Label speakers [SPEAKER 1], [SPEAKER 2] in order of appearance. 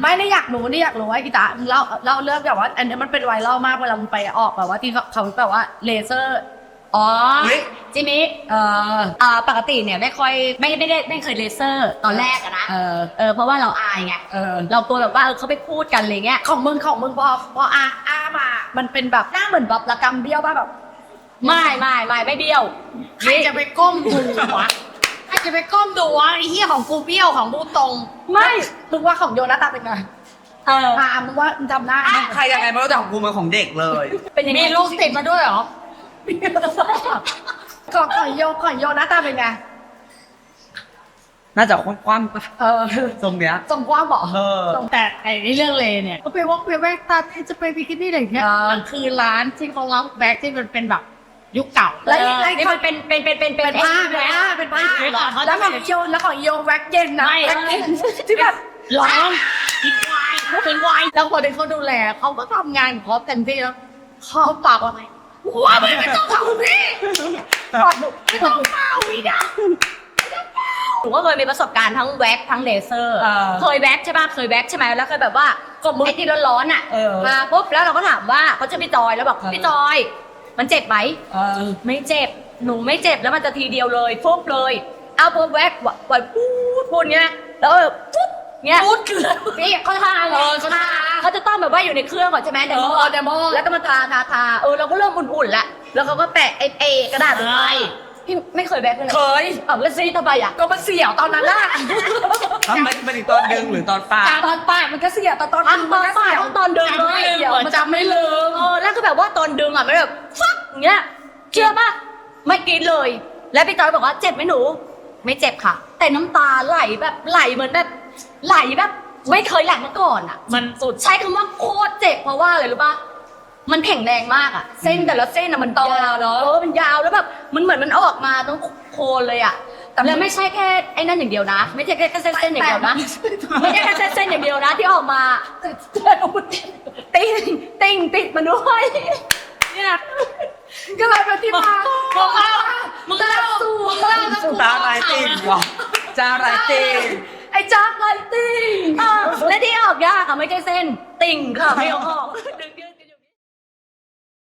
[SPEAKER 1] ไม่ได้อยากรู้ว่าอีตาเล่าเรื่องแบบว่าอันนี้มันเป็นไวรัลมากเวลามึงไปออกแบบว่าที่เขาแบบว่าเลเซอร์
[SPEAKER 2] อ๋อจิมิปกติเนี่ยไม่ค่อยไม่เคยเลเซอร์ตอนแรกอะนะเพราะว่าเราอายไงเรากลัวแบบว่าเขาไปพูดกันอะไรเงี้ย
[SPEAKER 1] ของมึงพออามามันเป็นแบบหน้าเหมือนแบบระกำเบี้ยวป่ะแบบ
[SPEAKER 2] ไม่เบี้ยว
[SPEAKER 1] ใครจะไปก้มดูวะใครจะไปก้มดูวะไอ้เหี้ยของกูเบี้ยวของกูตรง
[SPEAKER 2] ไม่
[SPEAKER 1] มึงว่าของโยนาตาเป็นไงมึงว่าจำหน้า
[SPEAKER 3] ใครยังไงไม่รู้แต่ของกูมันของเด็กเลย
[SPEAKER 2] เป็นยังไง
[SPEAKER 1] มีลูกติดมาด้วยเหรอของโยนาตาเป็นไง
[SPEAKER 3] น่าจะคว่ำทรงเนี้ย
[SPEAKER 1] ทรงกว้างบอก
[SPEAKER 2] แต่ไอ้เรื่องเลเนี่ย
[SPEAKER 1] ก็ไปวอล์กไปแบ็กตาที่จะไปบิกินี่อะไรอย่างเงี้ยมันคือร้านที่เขารับแบ็กที่มันเป็นแบบยุคเก่า
[SPEAKER 2] แล้วนี่มันเป็น
[SPEAKER 1] ผ้าแล้วของโยแว็กเย็นนะที่แบบ
[SPEAKER 2] ร้องเป็นวาย
[SPEAKER 1] แล้วคนที่เขาดูแลเขาก็ทำงานของเขาเต็มที่แล้วเขาปากว่าไงว้าไม่ต้องทำพี่ไม่ต้องเมาอีกนะ
[SPEAKER 2] หนูก็เคยมีประสบการณ์ทั้งแว็กทั้งเลเซอร์เคยแว็กใช่ป่ะเคยแว็กใช่ไหมแล้วเคยแบบว่าก็มือไอ้ที่ร้อนๆอ่ะมาปุ๊บแล้วเราก็ถามว่าเขาจะพี่จอยแล้วบอกพี่จอยมันเจ็บไหมไม่เจ็บหนูไม่เจ็บแล้วมันจะทีเดียวเลยปุ๊บเลยเอาปุ๊บแว็กปล่อยพูดเงี้ยแล้วปุ๊บเงี้ย
[SPEAKER 1] พูดคือ
[SPEAKER 2] นี่เขาทาเขาจะต้องแบบว่าอยู่ในเครื่องก่อนใช่ไหมเดโมแล้วก็มาทาเราก็เริ่มอุ่นๆแล้วแล้วเขาก็แปะไอ้กระดาษไปพี่ไม่เคยแว็กเลย
[SPEAKER 1] เคย
[SPEAKER 2] แล้วซีทำไมอ่ะ
[SPEAKER 1] ก็มันเสียวตอนนั้นแหละ
[SPEAKER 3] มันอีกตอนดึงหรือตอนปาก
[SPEAKER 1] ตอนปากมันก็เสียวตอน
[SPEAKER 2] ปากตอนดึงเลย
[SPEAKER 1] มันจำไม่ลืม
[SPEAKER 2] แล้วก็แบบว่าตอนดึงอ่ะมันแบบฟักอย่างเงี้ยเชื่อป่ะไม่กินเลยแล้วพี่จอยบอกว่าเจ็บไหมหนูไม่เจ็บค่ะแต่น้ำตาไหลแบบไหลเหมือนแบบไหลแบบไม่เคยไหลมาก่อนอ่ะ
[SPEAKER 1] มันสุด
[SPEAKER 2] ใช้คำว่าโคตรเจ็บเพราะว่าอะไรรู้ป่ะมันแข็งแรงมากอ่ะเส้นแต่ละเส้นอ่ะมันยาวเนาะมันยาวแล้วแบบมันเหมือนมันออกมาต้องโคนเลยอ่ะแล้วไม่ใช่แค่ไอ้นั่นอย่างเดียวนะไม่ใช่แค่เส้นอย่างเดียวนะไม่ใช่แค่เส้นอย่างเดียวนะที่ออกมาติดมาด้วย
[SPEAKER 1] เนี่ยก็เลยเป็นที่มา
[SPEAKER 2] มึงเล่า
[SPEAKER 3] ตาไรติ่งวะจ้าไรติ่ง
[SPEAKER 1] ไอ้จ้าไรติ่ง
[SPEAKER 2] และที่ออกยากค่ะไม่ใช่เส้นติ่งค่ะไม่ออกดึง